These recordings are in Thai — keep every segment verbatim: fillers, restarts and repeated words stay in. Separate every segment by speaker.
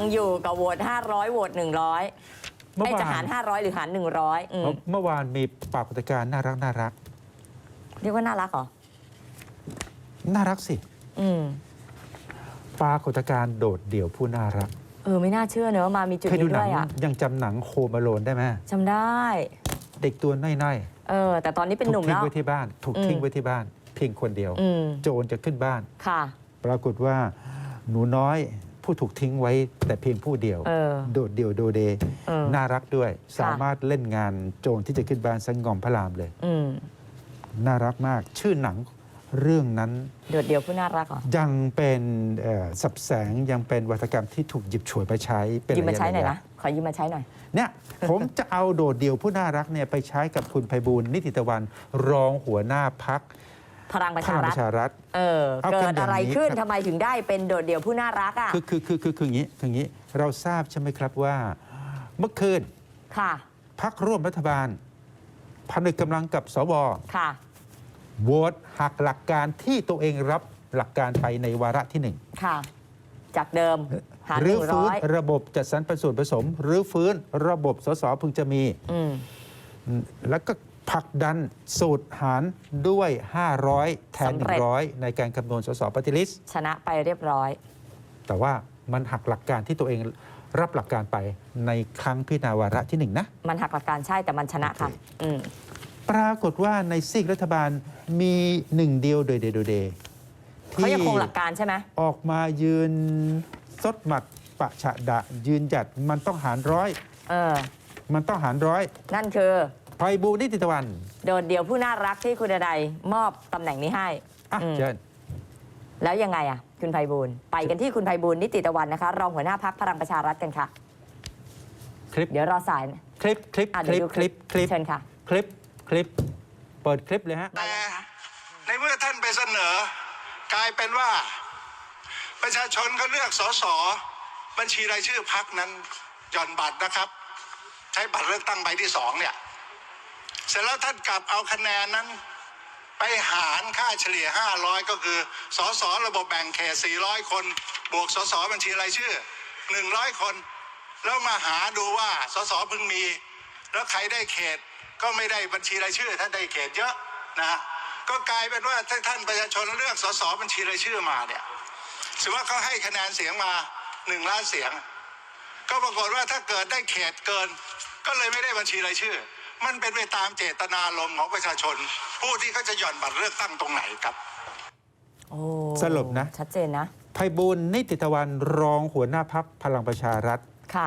Speaker 1: ยังอยู่กับโหวตห้าร้อยโหวตหนึ่งร้อยไอ้จะหารห้าร้อยหรือหารหนึ่งร้อย
Speaker 2: เมื่อวานมีปรากฏการณ์น่ารักน่ารัก
Speaker 1: เรียกว่าน่ารักเหรอ
Speaker 2: น่ารักสิ
Speaker 1: อืม
Speaker 2: ปรากฏการณ์โดดเดี่ยวผู้น่ารัก
Speaker 1: เออไม่น่าเชื่อเนอะว่ามามีจุดนี้ด้วยอ่ะ
Speaker 2: ยังจำหนังโฮมอโลนได้ไหม
Speaker 1: จำได้
Speaker 2: เด็กตัวน้อย
Speaker 1: ๆเออแต่ตอนนี้เป็นหนุ่มแล้ว
Speaker 2: ถูกทิ้งไว้ที่บ้านถูกทิ้งไว้ที่บ้านเพียงคนเดียวโจรจะขึ้นบ้าน
Speaker 1: ค่ะ
Speaker 2: ปรากฏว่าหนูน้อยผู้ถูกทิ้งไว้แต่เพียงผู้เดียวโดดเดี่ยวโดเดน่ารักด้วยสามารถเล่นงานโจรที่จะขึ้นบ้านสังงอมพระรามเลยน่ารักมากชื่อหนังเรื่องนั้น
Speaker 1: โดดเดี่ยวผู้น่ารักเหรอ
Speaker 2: ยังเป็นสับแสงยังเป็นวัฒกรรมที่ถูกหยิบฉวยไปใช้เป็น
Speaker 1: ยืมมาใช้หน่อยนะขอยืมมาใช้หน่อย
Speaker 2: เนี่ยผมจะเอาโดดเดี่ยวผู้น่ารักเนี่ยไปใช้กับคุณไพบูลย์นิติตะวันรองหัวหน้าพรรค
Speaker 1: พลังประชารัฐเออเกิดอะไรขึ้นทำไมถึงได้เป็นโดดเดี่ยวผู้น่ารักอ่ะ
Speaker 2: คือคือคือคือคืออย่างนี้คืออย่างนี้เราทราบใช่ไหมครับว่าเมื่อคืน
Speaker 1: ค่ะ
Speaker 2: พรรคร่วมรัฐบาลผนึกกำลังกับสว
Speaker 1: ค่ะ
Speaker 2: โหวตหักหลักการที่ตัวเองรับหลักการไปในวาระที่หนึ่ง
Speaker 1: ค่ะจากเดิมหาร
Speaker 2: หรือฟื้นระบบจัดสรรปันส่วนผสมหรือฟื้นระบบสสพึงจะมีแล้วก็ผลักดันสูตรหารด้วยห้าร้อยแทนหนึ่งร้อยในการคำนวณสสปฏิริษี
Speaker 1: ชนะไปเรียบร้อย
Speaker 2: แต่ว่ามันหักหลักการที่ตัวเองรับหลักการไปในครั้งพิจารณาวาระที่หนึ่งนะ
Speaker 1: มันหักหลักการใช่แต่มันชนะค่ะ
Speaker 2: ปรากฏว่าในซีกรัฐบาลมีหนึ่งเดียวโดยเดโดเด
Speaker 1: เขายังคงหลักการใช่ไหม
Speaker 2: ออกมายืนซดหมัดปะฉะดะยืนหยัดมันต้องหารร้อย
Speaker 1: เออ
Speaker 2: มันต้องหารร้อย
Speaker 1: นั่นคือ
Speaker 2: ไพบูลย์นิติตะวัน
Speaker 1: โดดเดี่ยวผู้น่ารักที่คุณใดมอบตำแหน่งนี้ให้
Speaker 2: อ่ะเชิญ
Speaker 1: แล้วยังไงอ่ะคุณไพบูลย์ไปกันที่คุณไพบูลย์นิติตะวันนะคะรองหัวหน้าพรรคพลังประชารัฐกันค่ะ
Speaker 2: คลิป
Speaker 1: เดี๋ยวรอสาย
Speaker 2: คลิปคลิปคลิปคลิปคลิป
Speaker 1: เชิญค่ะ
Speaker 2: คลิปคลิปเปิดคลิปเลยฮะ
Speaker 3: แต่ในเมื่อท่านไปเสนอกลายเป็นว่าประชาชนเขาเลือกสสบัญชีรายชื่อพรรคนั้นหย่อนบัตรนะครับใช้บัตรเลือกตั้งใบที่สองเนี่ยเสร็จแล้วท่านกลับเอาคะแนนนั้นไปหารค่าเฉลี่ยห้าร้อยก็คือสสระบบแบ่งเขตสี่ร้อยคนบวกสสบัญชีรายชื่อหนึ่งร้อยคนแล้วมาหาดูว่าสสพึงมีแล้วใครได้เขตก็ไม่ได้บัญชีรายชื่อท่านได้เขตเยอะนะก็กลายเป็นว่าถ้าท่านประชาชนเลือกสสบัญชีรายชื่อมาเนี่ยสมมติว่าเขาให้คะแนนเสียงมาหนึ่งล้านเสียงก็ปรากฏว่าถ้าเกิดได้เขตเกินก็เลยไม่ได้บัญชีรายชื่อมันเป็นไปตามเจตนารมณ์ของประชาชนผู้ที่เขาจะหย่อนบัตรเลือกตั้งตรงไหนครับ
Speaker 1: โอ้
Speaker 2: สรุปนะ
Speaker 1: ชัดเจนนะ
Speaker 2: ไพบูลย์นิติตะวันรองหัวหน้าพรรคพลังประชารัฐ
Speaker 1: ค่ะ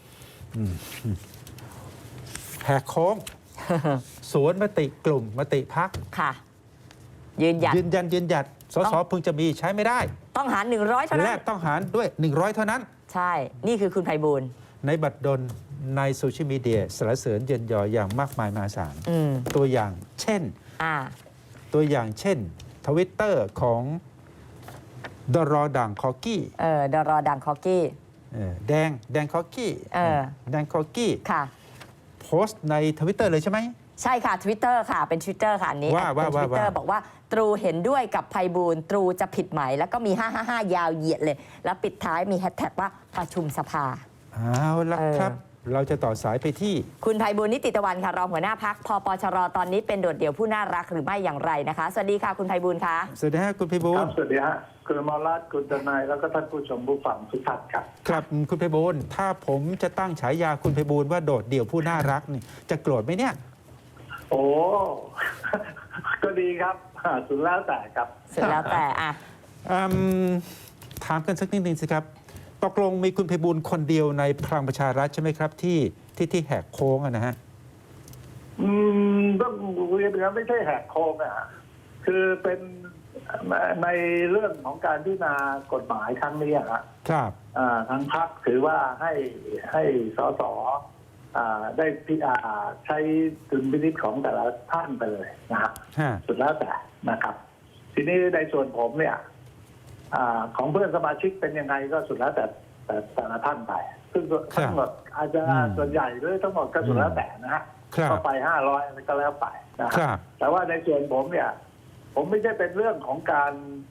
Speaker 2: แหกโค้งสวนมติกลุ่มมติพรรค
Speaker 1: ค่ะยืนหยัด
Speaker 2: ยืนยันยืนหยัดสสพึงจะมีใช้ไม่ได้
Speaker 1: ต้องหารหนึ่งร้อยเท่านั้น
Speaker 2: และต้องหารด้วยหนึ่งร้อยเท่านั้น
Speaker 1: ใช่นี่คือคุณไพบูลย์
Speaker 2: ในบัตรดลในโซเชียลมีเดียสรรเสริญเยินยออย่างมากมายมหาศาลตัวอย่างเช่นตัวอย่างเช่นทวิตเตอร์ของดรอดังคอกี้
Speaker 1: เออดรอดังคอกี้
Speaker 2: แดงแดงคอกี้
Speaker 1: เออ
Speaker 2: แดงคอกี้
Speaker 1: ค่ะ
Speaker 2: โพสต์ในทวิตเตอร์เลยใช่ไหม
Speaker 1: ใช่ค่ะ Twitter ค่ะเป็น Twitter ค่ะอันนี้
Speaker 2: ว่าว่าว่า
Speaker 1: Twitter บอกว่าตรูเห็นด้วยกับไพบูลย์ตรูจะผิดไหมแล้วก็มีห้าห้าห้ายาวเหยียดเลยแล้วปิดท้ายมีแฮชแท็กว่าประชุมสภา
Speaker 2: เอาละครับเราจะต่อสายไปที่
Speaker 1: คุณไพบูลย์นิติตะวันค่ะรองหัวหน้าพรรคพปชรตอนนี้เป็นโดดเดี่ยวผู้น่ารักหรือไม่อย่างไรนะคะสวัสดีค่ะคุณไพบูลย์ค่ะ
Speaker 2: สวัสดีค่ะคุณไพบูลย์
Speaker 4: สวัสดีฮะคุณมรัตน์คุณทนายแล้วก็ท่านผู้ชมผู้ฟังทุกท่านครับ
Speaker 2: ครับคุณไพบูลย์ถ้าผมจะตั้งฉายาคุณไพบูลย์ว่าโดดเดี่ยวผู้น่ารักนี่จะโกรธไหมเนี่ย
Speaker 4: โอ้ก็ดีครับสุดแล้วแต่ครับ
Speaker 1: สุดแล้วแต่อ่ะ
Speaker 2: ถามกันสักนิดนึงสิครับตกลงมีคุณไพบูลย์คนเดียวในพลังประชารัฐใช่ไหมครับที่ที่ที่แหกโค้งนะฮะ
Speaker 4: อืมต้องเรียนนะไม่ใช่แหกโค้งอ่ะคือเป็นในเรื่องของการพิจารณากฎหมายครั้งนี้ครับ
Speaker 2: ครับ
Speaker 4: ทางพรรคถือว่าให้ให้สสได้พิจารณาใช้ดุลพินิจของแต่ละท่านไปเลยนะครับสุดแล้วแต่นะครับ ทีนี้ในส่วนผมเนี่ยของเพื่อนสมาชิกเป็นยังไงก็สุดแล้วแต่แต่แต่ละท่านไปซึ่งทั้งหมดอาจจะส่วนใหญ่หรือทั้งหมดก็สุดแล้วแต่นะฮะก็ไปห้าร้อยก็แล้วไปนะครับแต่ว่าในส่วนผมเนี่ยผมไม่ใช่เป็นเรื่องของการ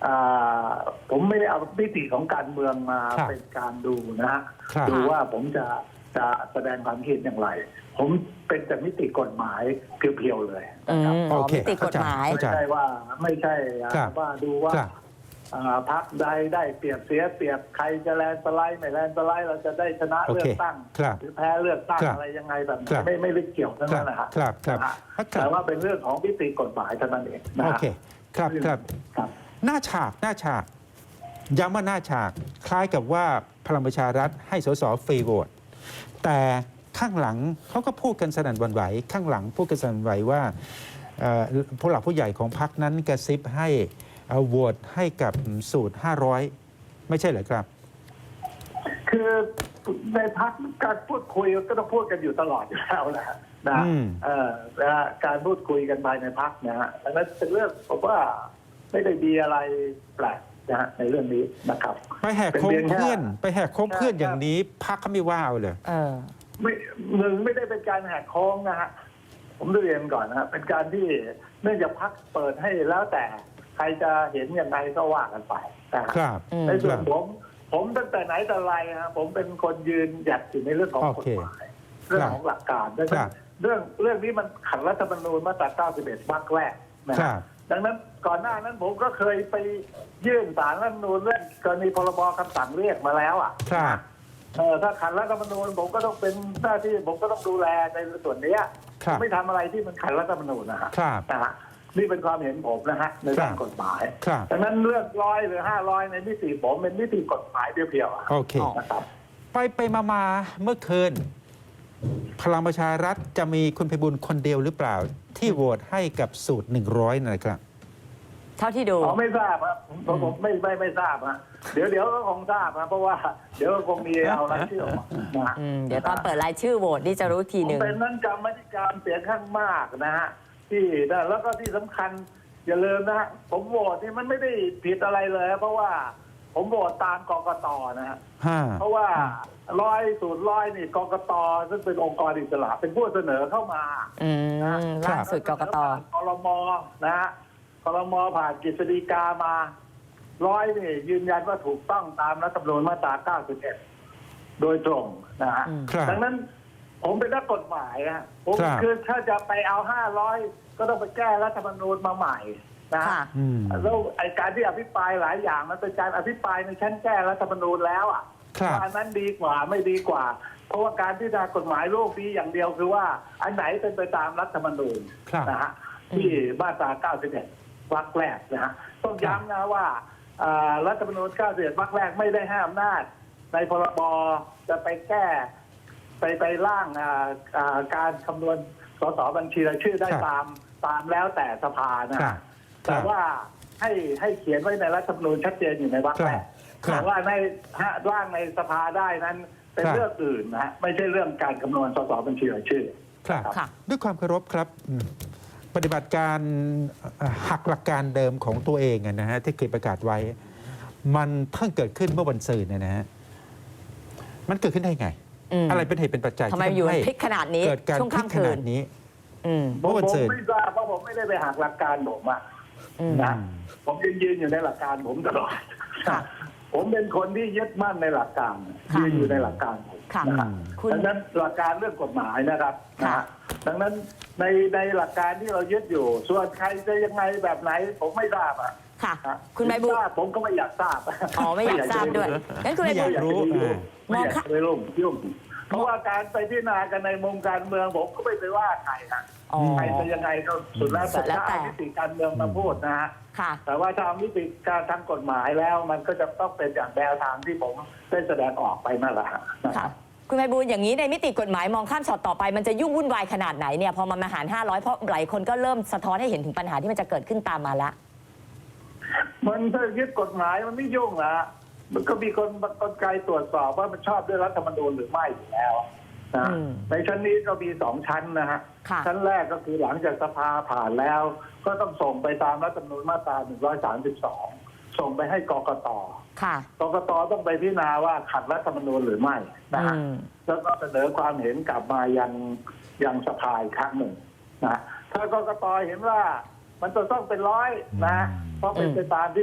Speaker 4: อ่าผมไม่ได้เอามิติของการเมืองมา
Speaker 2: ครับ
Speaker 4: เป็นการดูนะฮะ
Speaker 2: ครับ
Speaker 4: ดูว่าผมจะจะแสดงความคิดอย่างไร ผมเป็นแต่มิติกฎหมายเพียวๆเลย
Speaker 1: อื
Speaker 4: นะครับ
Speaker 1: มอ๋อ
Speaker 2: โอเค
Speaker 1: มิติกฎหมาย
Speaker 2: เข้า
Speaker 4: ไม่
Speaker 2: ใจ
Speaker 4: ใช่ว่าไม่ใช่
Speaker 2: ครับ
Speaker 4: ว่าดูว่า
Speaker 2: ครับ
Speaker 4: อ่าพรรคใดได้เปรียบเสียเปรียบใครจะแลนด์สไลด์ไม่แลนด์สไลด์เราจะได้ชนะ
Speaker 2: โอ
Speaker 4: เลื
Speaker 2: เค
Speaker 4: อกตั้ง
Speaker 2: ครับ
Speaker 4: หรือแพ้เลือกตั้ง
Speaker 2: ครับ
Speaker 4: อะไรยังไงแบบ
Speaker 2: ครั
Speaker 4: นี้
Speaker 2: บ
Speaker 4: ไม่ไม่ได้เกี่ยวทั้ง
Speaker 2: ครั
Speaker 4: นั้
Speaker 2: บ
Speaker 4: นนะฮะ
Speaker 2: ครับครับ
Speaker 4: นะฮะ
Speaker 2: ครับ
Speaker 4: แต่ว่าเป็นเรื่องของมิติกฎหมายเท่านั้นเองนะ
Speaker 2: โอ
Speaker 4: ฮะ
Speaker 2: เคครับครับ
Speaker 4: ครับ
Speaker 2: หน้าฉากหน้าฉากย้ำว่าหน้าฉากคล้ายกับว่าพลังประชารัฐให้สสฟรีโหวตแต่ข้างหลังเขาก็พูดกันสนั่นหวั่นไหวข้างหลังพูดกันสนั่นหวั่นไหวว่าเอ่อผู้หลักผู้ใหญ่ของพรรคนั้นกระซิบให้เอ่อโหวตให้กับสูตรห้าร้อยไม่ใช่เหรอครับ
Speaker 4: คือในพักการพูดคุยก็ต้องพูดกันอยู่ตลอดอยู่แล้วนะฮะนะ
Speaker 2: อืม
Speaker 4: เอ่อนะฮะการพูดคุยกันภายในพักนะฮะดังนั้นเป็นเรื่องผมว่าไม่ได้มีอะไรแปลกนะฮะในเรื่องนี้นะครับ
Speaker 2: ไปแหกโค้ง
Speaker 4: เป็นเพียงแค่
Speaker 2: เพื่อนไปแหกโค้งเพื่อน
Speaker 4: ใช่
Speaker 2: อย่างนี้พักเขาไม่ว่าเอาเลย
Speaker 1: เออ
Speaker 4: ไม่หนึ่งไม่ได้เป็นการแหกโค้งนะฮะผมเรียนก่อนนะฮะเป็นการที่เนื่องจากพักเปิดให้แล้วแต่ใครจะเห็นอย่างไรก็ว่ากันไปนะฮะ
Speaker 2: ครับ
Speaker 1: อืม
Speaker 4: ในส่วน
Speaker 2: ครับ
Speaker 4: ผมผมตั้งแต่ไหนแต่ไรฮะผมเป็นคนยืนหยัดอยู่ในเรื่องของ
Speaker 2: โอก
Speaker 4: ฎ
Speaker 2: เค
Speaker 4: หมายเรื่องของหลักการดัง
Speaker 2: ครั
Speaker 4: นั้น
Speaker 2: บ
Speaker 4: เรื่องเรื่องนี้มันขัดรัฐธรรมนูญมาตราเก้าสิบเอ็ดวรรคแรกนะ
Speaker 2: ครั
Speaker 4: ฮะ
Speaker 2: บ
Speaker 4: ดังนั้นก่อนหน้านั้นผมก็เคยไปยื่นศาลรัฐธรรมนูญเรื่องกรณีพรบคำสั่งเรียกมาแล้วอ่ะ
Speaker 2: ครับ
Speaker 4: เออถ้าขัดรัฐธรรมนูญผมก็ต้องเป็นหน้าที่ผมก็ต้องดูแลในส่วนเนี้ย
Speaker 2: ครับ
Speaker 4: ไม่ทำอะไรที่มันขัดรัฐธรรมนูญนะฮะ
Speaker 2: ครับ
Speaker 4: นะฮะนี่เป็นความเห็นผมนะฮะในด้านกฎหมาย
Speaker 2: ครับ
Speaker 4: ดังนั้นเลือกร้อยหรือห้าร้อยในมิติผมเป็นมิติกฎหมายเพียวๆอะ
Speaker 2: โอเค
Speaker 4: นะครับ
Speaker 2: ไปไปมามาเมื่อคืน พลังประชารัฐจะมีคุณไพบุญคนเดียวหรือเปล่า ที่โหวตให้กับสูตรหนึ่งร้อยนะครับ
Speaker 1: เท่าที่ดู
Speaker 4: อ๋อไม่ทราบครับผมผมผมไม่ไม่ไม่ทราบฮะเดี๋ยวเดี๋ยวก็คงทราบนะเพราะว่าเดี๋ยวก็คงมีเอารายชื่อออกมานะฮะ
Speaker 1: อืม เดี๋ยวตอนเปิดรายชื่อโหวตนี่จะรู้ที
Speaker 4: ผ
Speaker 1: ห
Speaker 4: ม
Speaker 1: นึ่ง
Speaker 4: เป็นนั่งกรรมธิการเสียงข้างมากนะฮะที่นะแล้วก็ที่สำคัญอย่าลืมนะฮะผมโหวตนี่มันไม่ได้ผิดอะไรเลย เพราะว่าผมโหวตตามกกตนะฮะ
Speaker 2: ห้า
Speaker 4: เพราะว่าร้อยสูตรร้อยนี่กกตซึ่งเป็นองค์กรอิสระเป็นผู้เสนอเข้ามา
Speaker 1: อืมล่าสุดกกต
Speaker 4: ครมนะฮะครมผ่านกฤษฎีกามาร้อยนี่ยืนยันว่าถูกต้องตามรัฐธรรมนูญมาตราเก้าสิบเอ็ดโดยตรงนะฮะ
Speaker 1: อืม
Speaker 2: ครับ
Speaker 4: ดังนั้นผมเป็นนักกฎหมายนะผม
Speaker 2: ครับ
Speaker 4: คือถ้าจะไปเอาห้าร้อยก็ต้องไปแก้รัฐธรรมนูญมาใหม่นะฮะ
Speaker 1: ค่ะ
Speaker 2: อืม
Speaker 4: แล้วไอการที่อภิปรายหลายอย่างมันเป็นการอภิปรายในชั้นแก้รัฐธรรมนูญแล้วอ่ะ
Speaker 2: ครับ
Speaker 4: ว่าอันนั้นดีกว่าไม่ดีกว่า เพราะว่าการพิจารณากฎหมายโลกนี้อย่างเดียวคือว่าอันไหนเป็นไปตามรัฐธรรมนูญ
Speaker 2: ครับ
Speaker 4: นะฮะที่มาตราเก้าสิบเอ็ดวรรคแรกนะฮะต้องย้ำนะว่าอ่ารัฐธรรมนูญเก้าสิบเอ็ดวรรคแรกไม่ได้ให้อำนาจในพรบจะไปแก้ไปไปร่างอ่าอ่าการคำนวณสสบัญชีรายชื่อได้
Speaker 2: ครับ
Speaker 4: ตามตามแล้วแต่สภานะ
Speaker 2: ครั
Speaker 4: ฮะ
Speaker 2: บ
Speaker 4: แต่ว่าให้ให้เขียนไว้ในรัฐธรรมนูญชัดเจนอยู่ในวรรคแรก
Speaker 2: ครับ
Speaker 4: แต่ว่าในฮะร่างในสภาได้นั้นเป็น
Speaker 2: ครับ
Speaker 4: เรื่องอื่นนะฮะไม่ใช่เรื่องการคำนวณสสบัญชีรายชื่อ
Speaker 2: ครับ
Speaker 1: ค่ะ
Speaker 2: ด้วยความเคารพครับอืมปฏิบัติการเอ่อหักหลักการเดิมของตัวเองอะนะฮะที่เคยประกาศไว้ มันเพิ่งเกิดขึ้นเมื่อวันศุกร์เนี่ยนะฮะมันเกิดขึ้นได้ไง
Speaker 1: อืม
Speaker 2: อะไรเป็นเหตุเป็นปัจจัย
Speaker 1: ทำไม
Speaker 2: ที่
Speaker 1: อยู่
Speaker 2: ทำให้
Speaker 1: พลิกขนาดนี้
Speaker 2: เกิดการ
Speaker 1: ช่วง
Speaker 2: พลิก
Speaker 1: ค่ำ
Speaker 2: ข
Speaker 1: คื
Speaker 2: นาน ดนี้
Speaker 1: อืม
Speaker 4: ผม
Speaker 2: เมื่อวัน
Speaker 4: ผม
Speaker 2: ศุกร์
Speaker 4: ไม่ทราบเพราะผมไม่ได้ไปหักหลักการผมอะ
Speaker 1: อืม
Speaker 4: นะผมยังยืนอยู่ในหลักการผมตลอด
Speaker 1: ค่ะ
Speaker 4: ผมเป็นคนที่ยึดมั่นในหลักการ
Speaker 1: ค่ะ
Speaker 4: ยืนอยู่ในหลักการผม
Speaker 1: ค่ะ
Speaker 4: นะครับ
Speaker 1: คุณ
Speaker 4: ดังนั้นหลักการเรื่องกฎหมายนะครับนะ
Speaker 1: ค่ะ
Speaker 4: ฮะดังนั้นในในหลักการที่เรายึดอยู่ ส่วนใครจะยังไงแบบไหน ผมไม่ทราบอะ
Speaker 1: ค่ะ
Speaker 4: ฮะ
Speaker 1: คุณใบบุญ
Speaker 4: ทราบผมก็ไม่อยากทราบ
Speaker 1: อ๋อไม่อยากทราบด้วยงั้นคุณใบ
Speaker 2: ไม่อ
Speaker 1: บุ
Speaker 2: ยา
Speaker 1: ญ
Speaker 2: กรู้
Speaker 4: ไม่อยาก
Speaker 1: มองค่ะ
Speaker 4: ไปรุ่งยุ่งเพราะว่าการไปพิจารณากันในมุมการเมืองผมก็ไม่ไปว่าใครนะ
Speaker 1: อ๋อ
Speaker 4: ใครจะยังไงก็สุดแล้ว
Speaker 1: สุ
Speaker 4: แต่
Speaker 1: ดแล้ว
Speaker 4: ถ้า
Speaker 1: แต่
Speaker 4: เอามิติการเมืองมาพูดนะฮะ
Speaker 1: ค่ะ
Speaker 4: แต่ว่าถ้าเอามิติการทางกฎหมายแล้วมันก็จะต้องเป็นอย่างแนวทางที่ผมได้แสดงออกไปนั่นแหละฮะนะค
Speaker 1: ค่ะ
Speaker 4: รับ
Speaker 1: คุณไพบูลย์อย่างนี้ในมิติกฎหมายมองข้ามช็อตต่อไปมันจะยุ่งวุ่นวายขนาดไหนเนี่ยพอมันมาหารห้าร้อยเพราะหลายคนก็เริ่มสะท้อนให้เห็นถึงปัญหาที่มันจะเกิดขึ้นตามมาละ
Speaker 4: มันถ้ายึดกฎหมายมันไม่ยุ่งละมันก็มีคนกลไกตรวจสอบว่ามันชอบด้วยรัฐธรรมนูญหรือไม่อยู่แล้วนะ
Speaker 1: อืม
Speaker 4: ในชั้นนี้ก็มีสองชั้นนะฮะ
Speaker 1: ค่ะ
Speaker 4: ชั้นแรกก็คือหลังจากสภาผ่านแล้ว ก็ต้องส่งไปตามรัฐธรรมนูญมาตราหนึ่งร้อยสามสิบสองส่งไปให้กกต
Speaker 1: ค่ะ
Speaker 4: กกตต้องไปพิจารณาว่าขัดรัฐธรรมนูญหรือไม่นะฮะ
Speaker 1: อืม
Speaker 4: แล้วก็เสนอความเห็นกลับมายังยังสภาอีกครั้งหนึ่งนะถ้ากกตเห็นว่ามันจะต้องเป็นร้อยนะเพราะเป็นไปตามที่ส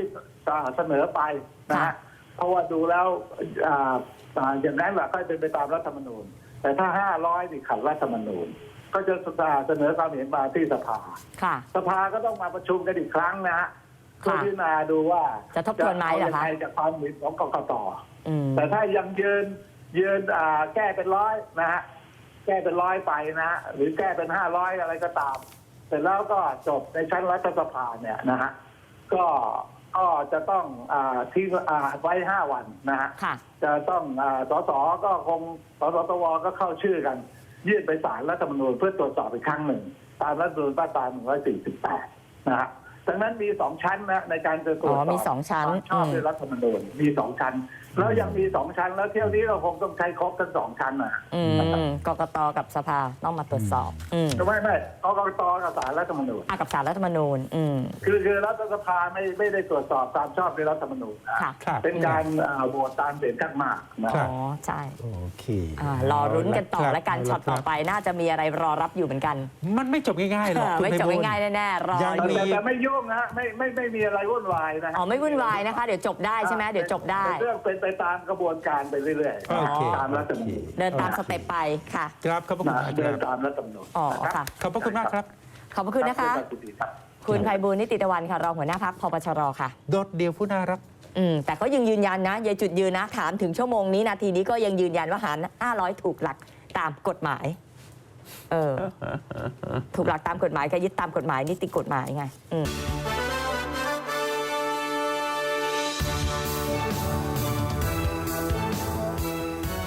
Speaker 4: เสนอไปนะฮะเพราะว่าดูแล้วอ่าอ่าอย่างนั้นแหละก็เป็นไปตามรัฐธรรมนูญแต่ถ้าห้าร้อยนี่ขัดรัฐธรรมนูญก็จะเสนอความเห็นมาที่สภา
Speaker 1: ค่ะ
Speaker 4: สภาก็ต้องมาประชุมกันอีกครั้งนะฮะเพื่อพิจารณาดูว่า
Speaker 1: จะทบทวนไหมเหรอคะ
Speaker 4: จะายังไงจากความเห็นของกกต
Speaker 1: อืม
Speaker 4: แต่ถ้ายังยืนยืนอ่าแก้เป็นร้อยนะฮะแก้เป็นร้อยไปนะฮะหรือแก้เป็นห้าร้อยอะไรก็ตามเสร็จแล้วก็จบในชั้นรัฐสภาเนี่ยนะฮะก็ก็จะต้องอ่าที่อ่าไว้ห้าวันนะฮะ
Speaker 1: ค่ะ
Speaker 4: จะต้องอ่าสสก็คงสสตวก็เข้าชื่อกัน ยื่นไปศาลรัฐธรรมนูญเพื่อตรวจสอบอีกครั้งหนึ่งตามรัฐธรรมนูญมาตราหนึ่งร้อยสี่สิบแปดนะฮะดังนั้นมีสองชั้นนะในการจะตรวจสอบ
Speaker 1: อ๋อมีสองชั้น
Speaker 4: ความชอบด้วยรัฐธรรมนูญมีสองชั้น แล้วยังมีสองชั้น แล้วเที่ยวนี้เราคงต้องใช้ครบทั้งสองชั้นนะ
Speaker 1: อืมกกตกับสภาต้องมาตรวจสอบ อืม
Speaker 4: ไม่ไม่กกตกับศาลรัฐธรรมนูญ
Speaker 1: อ่ะกับศาลรัฐธรรมนูญ อืม
Speaker 4: คือคือรัฐสภาไม่ไม่ได้ตรวจสอบตามชอบด้วยรัฐธรรมนูญนะ
Speaker 1: ค่ะ
Speaker 2: ครับ
Speaker 4: เป็นการอ่าโหวตตามเสียงข้างมากนะ
Speaker 2: ครั
Speaker 1: อ๋
Speaker 2: บ
Speaker 1: อ ใช่
Speaker 2: โอเค
Speaker 1: อ่ารอรุ้นกันต่อ
Speaker 2: เาะ
Speaker 1: และกัน
Speaker 2: ครับ
Speaker 1: ช็อตต่อไปน่าจะมีอะไรรอรับอยู่เหมือนกัน
Speaker 2: มันไม่จบง่ายๆหรอกคุณ
Speaker 1: ไม่จบ
Speaker 2: ไพบูลย์
Speaker 1: ง่ายๆแน่ๆรอ
Speaker 2: ยัง
Speaker 1: อ
Speaker 4: แต่
Speaker 1: ยู่
Speaker 4: แต่ไม่ยุ่งนะฮะไม่ไม่ไม่มีอะไรวุ่นวายนะฮะ
Speaker 1: อ๋อ ไม่วุ่นวายนะคะ เดี๋ยวจบได้ใช่ไหมเดี๋ยวจบได้
Speaker 4: เป็นเรื่องเป็นไปตามกระบวนการไปเรื่อย
Speaker 2: โอเค
Speaker 4: ๆตามรัฐธรรมนูญ
Speaker 1: เดินตามสเต็ปไปค่ะ
Speaker 2: ครับขอบพระคุณ
Speaker 4: นะ
Speaker 2: มากค
Speaker 4: เดิ
Speaker 2: รั
Speaker 4: น
Speaker 2: บ
Speaker 4: ตามรัฐธรรมนูญ
Speaker 1: อ๋อ
Speaker 4: นะ
Speaker 1: ค่ะ
Speaker 2: ขอบพระคุณมากครับ
Speaker 1: ขอบพระคุณนะคะ
Speaker 4: รับรับ
Speaker 1: คุณไพบูลย์นิติตะวันค่ะ รองหัวหน้าพักพปชรค่ะ
Speaker 2: โดดเดียวผู้น่ารัก
Speaker 1: อืม แต่ก็ยังยืนยันนะยายจุดยืนนะ ถามถึงชั่วโมงนี้นาทีนี้ก็ยังยืนยันว่าหารห้าร้อยถูกหลักตามกฎหมาย เออ ถูกหลักตามกฎหมายก็ยึดตามกฎหมายนิติกฎหมายไง อืม